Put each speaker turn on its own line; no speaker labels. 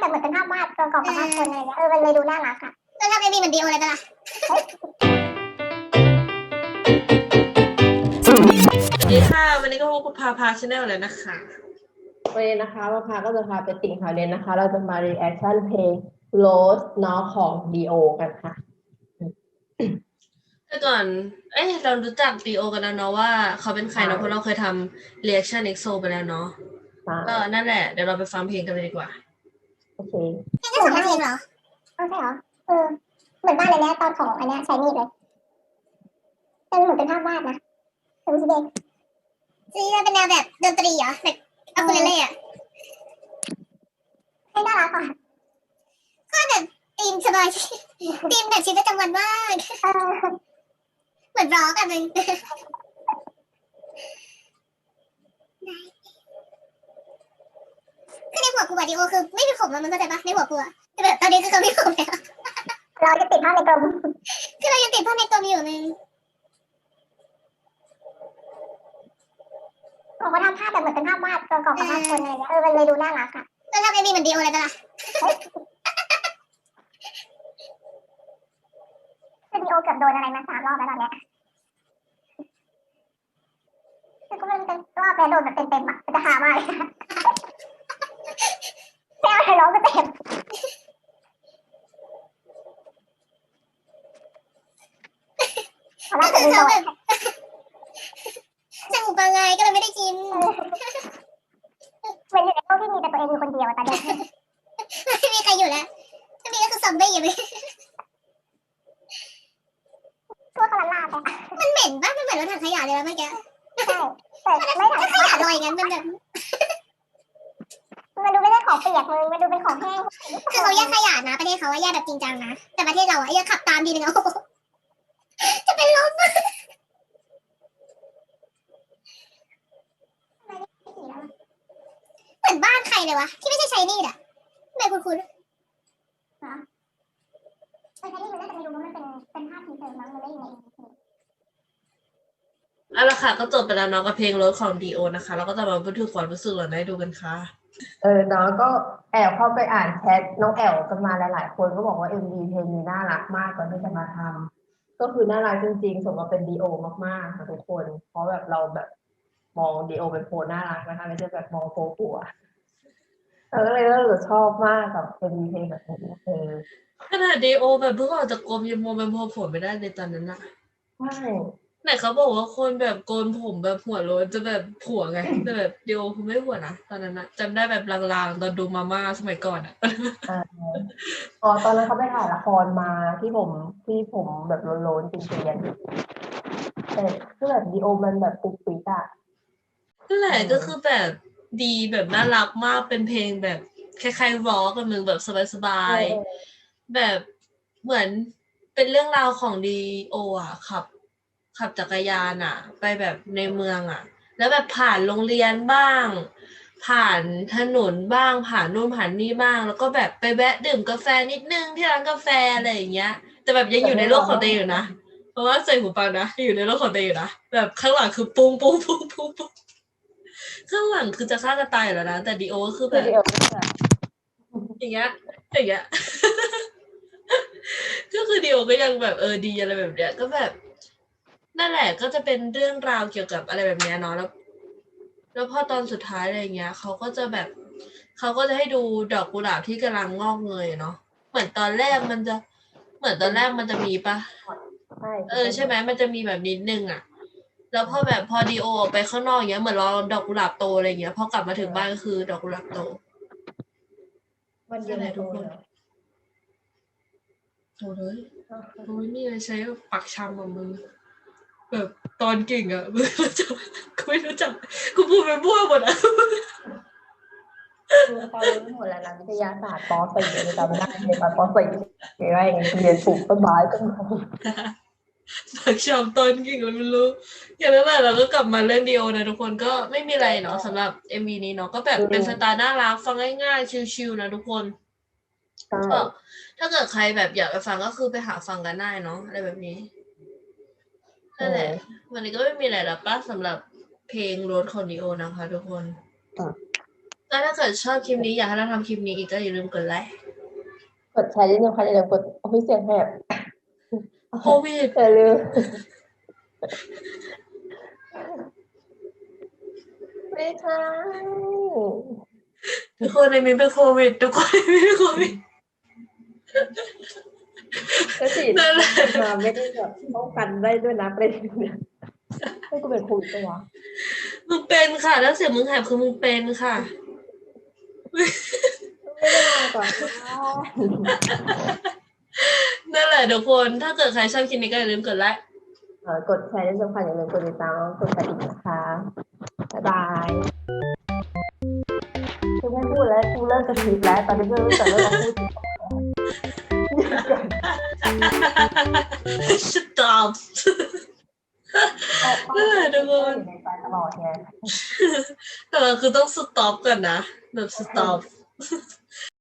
แบบเหมือนเป็นภาพวาดตัวกรอบกับภาพคนอะไรเงี้ยมันเลยดูน่ารักอ่ะแล้วทำเอ็มวีเหมือนดีโอเลยปะล่ะ
สวัสดีค่ะวันนี้ก็พบกับพาชาแนลแล้วนะคะ
วันนี้นะคะมาพาก็จะพาไปติ่งข่าวเด่นนะคะ เราจะมา reaction เพลง Rose เนาะของ D.O กันค่ะ
แต่ก่อนเรารู้จักดีโอกันแล้วเนาะว่าเขาเป็นใครเนาะเพราะเราเคยทำ reaction EXO ไปแล้วเนาะก็นั่นแหละเดี๋ยวเราไปฟังเพลงกันเลยดีกว่า
โอเค
แค่2 นาทีเหรอใช่เหรอเหมือนบ้านเลยเนี่ยตอนของอันเนี้ยใช้มีดเลยแต่เหมือนเป็นภาพวาดนะแต่ไม่ใช่เด็กซีเป็นแนวแบบดนตรีเหรอแบบอะคูเลเล่อะให้น่ารักอ่ะก็แบบธีมสบายธีมแบบชีวิตประจำวันมากเหมือนร้องกันเลยคือในหัวกูอะดิโอคือไม่มีผมมันเข้าใจปะในหัวกูอะแต่แบบตอนนี้คือเขาไม่ผมแล้วเราจะติดภาพในกลมคือเรายังติดภาพในกลมอยู่เลยผมก็ทำภาพแบบเหมือนเป็นภาพวาดตัวกรอบกับภาพคนอะไรเงี้ยมันเลยดูน่ารักอ่ะแล้วทำเอ็มวีเหมือนดีโอเลยปะล่ะคือดีโอเกือบโดนอะไรมา3 รอบแล้วตอนเนี้ยคือก็มันเป็นรอบแล้วโดนแบบเต็มๆอ่ะจะหามากเลยแซวให้ร้องก็เต็มเพราะว่าจะมีโดนจมูกบางไงก็เลยไม่ได้กินเหมือนอยู่ในโลกที่มีแต่ตัวเองอยู่คนเดียวตอนนี้ไม่มีใครอยู่แล้วถ้ามีก็คือซอมบี้อยู่เลยทั่วกระลาไปมันเหม็นป่ะมันเหมือนรถถังขยะเลยนะเมื่อกี้ใช่แต่ไม่ถังขยะลอยงั้นมันแบบมันดูไม่ใช่ของเปียกมันดูเป็นของแห้งคือเขาแยกขยะนะประเทศเขาว่าแยกแบบจริงจังนะแต่ประเทศเราอะแยกขับตามทีนึงเอาจะเป็นลมเหมือนบ้านใครเลยวะที่ไม่ใช่ใช้นี่อ่ะทำไมคุ้นๆนะใช้นี่มันน่าจะไม่รู้ว่ามันเป็นภาพทีเซอร์มั้งมันไม่อยู่ใน
เอาละค่ะก็จบไปแล้วเนาะกับเพลงรถของดีโอนะคะแล้วก็จะมาบันทึกความรู้สึกเราได้ดูกันค่ะ
น้องก็แอบเข้าไปอ่านแชทน้องแอลกันมาหลายๆคนก็บอกว่า MV เพลงนี้น่ารักมากก่อนที่จะมาทำก็คือน่ารักจริงๆสมกับเป็น D.O มากๆค่ะทุกคนเพราะแบบเราแบบมอง D.O เป็นโพน่ารักนะคะไม่ใช่แบบมองโพปัวเราก็เลยรู้สึกชอบมากกับ MV เพลงแบบนี้
ขนาดดีโอแบบเพิ่งออกจากกรมยังมองเป็นพอผมไม่ได้ในตอนนั้นอะ
ใช่
ไหนเขาบอกว่าคนแบบโกนผมแบบหัวโล้นจะแบบผัวไงแต่แบบดีโอคือไม่ผัวนะตอนนั้นอะจำได้แบบลางๆตอนดูมาม่าสมัยก่อนอะ
ตอนนั้นเขาไปถ่ายละครมาที่ผมแบบโลนๆจริงๆแต่คือแบบดีโอมันแบบปุ๊กปิ๊กอะ
นั่นแหละก็คือแบบดีแบบน่ารักมากเป็นเพลงแบบคล้ายๆร็อกกันมึงแบบสบายๆแบบเหมือนเป็นเรื่องราวของดีโออะขับจักรยานอะไปแบบในเมืองอะแล้วแบบผ่านโรงเรียนบ้างผ่านถนนบ้างผ่านนู่นผ่านนี่บ้างแล้วก็แบบไปแวะดื่มกาแฟนิดนึงที่ร้านกาแฟอะไรอย่างเงี้ยแต่แบบยังอยู่ในโลกของตัวเองอยู่นะเพราะว่าใส่หูฟังนะอยู่ในโลกของตัวเองอยู่นะแบบข้างหลังคือปุ้งปุ้งปุ้งปุ้งปุ้ง ข้างหลังคือจะฆ่ากันตายอยู่แล้วนะแต่ดีโอก็คือแบบ
ดีโอแบบ
อย่างเงี้ยอย่างเงี้ย ก็คือดีโอก็ยังแบบดีอะไรแบบเนี้ยก็แบบนั่นแหละก็จะเป็นเรื่องราวเกี่ยวกับอะไรแบบเนี้ยเนาะแล้วพอตอนสุดท้ายอะไรเงี้ยเขาก็จะให้ดูดอกกุหลาบที่กำลังงอกเงยเนาะเหมือนตอนแรกมันจะมีปะใช่ไหมมันจะมีแบบนิดนึงอะแล้วพอดีโอออกไปข้างนอกอย่างเงี้ยเหมือนรอดอกกุหลาบโตอะไรเงี้ยพอกลับมาถึงบ้านก็คือดอกกุหลาบโต
มันเย็นทุกคน
โถเลยกูไม่มีอะไรใช้ปักชำของมึงแบบตอนเก่งอะมึงกูไม่รู้จักกูพูดไปมั่วหมดอะ
คือเขารู้หมดแล้วนะวิทยาศาสตร์ป .4 จำได้ในตอนป .4 ว่าอย่างเรียนปลูกต้นไม้ต้นไม้
ปักชำตอนเก่งเราไม่รู้อย่างนั้นแหละเราก็กลับมาเรื่องเดียวนะทุกคนก็ไม่มีอะไรเนาะสำหรับ MV นี้เนาะก็แบบเป็นสไตล์น่ารักฟังง่ายๆชิลๆนะทุกคนก็ถ้าเกิดใครแบบอยากไปฟังก็คือไปหาฟังกันได้เนาะอะไรแบบนี้นั่นแหละวันนี้ก็ไม่มีอะไรแล้วป่ะสำหรับเพลงรถของดิโอนะคะทุกคนแล้วถ้าเกิดชอบคลิปนี้อยากให้เราทำคลิปนี้อีกก็อย่าลืมกดไลค์
กดแชร์นิดนึงค่ะอย่าลืมกดโอ้ยเสียงแหบ
โควิด
อย่าลืมไม่ใช่
ทุกคนในนี้เป็นโควิดทุกคนในนี้เป็นโควิด
ก็ฉีด
นั่นแหละ
มาไม่ได้แบบป้องกันได้ด้วยนะประเด็นเนี่ยให้กูเป็นโควิดปะวะ
มึงเป็นค่ะแล้วเสียงมึงแหบคือมึงเป็นค่ะ
ไม่ได้มาก่อน
นั่นแหละทุกคนถ้าเกิดใครชอบคลิปนี้ก็อย่าลืมกดไลค์
กดแชร์ที่สำคัญอย่าลืมกดติดตามแล้วกดกระดิ่งนะคะบ๊ายบายคือไม่พูดแล้วกูเริ่มจะผิดแล้วตอนนี้ก็รู้สึกเริ่มพูด
stop นั่นแหละทุกคน
ในใจตลอดไง
แต่เราคือต้อง stop ก่อนนะแบบ stop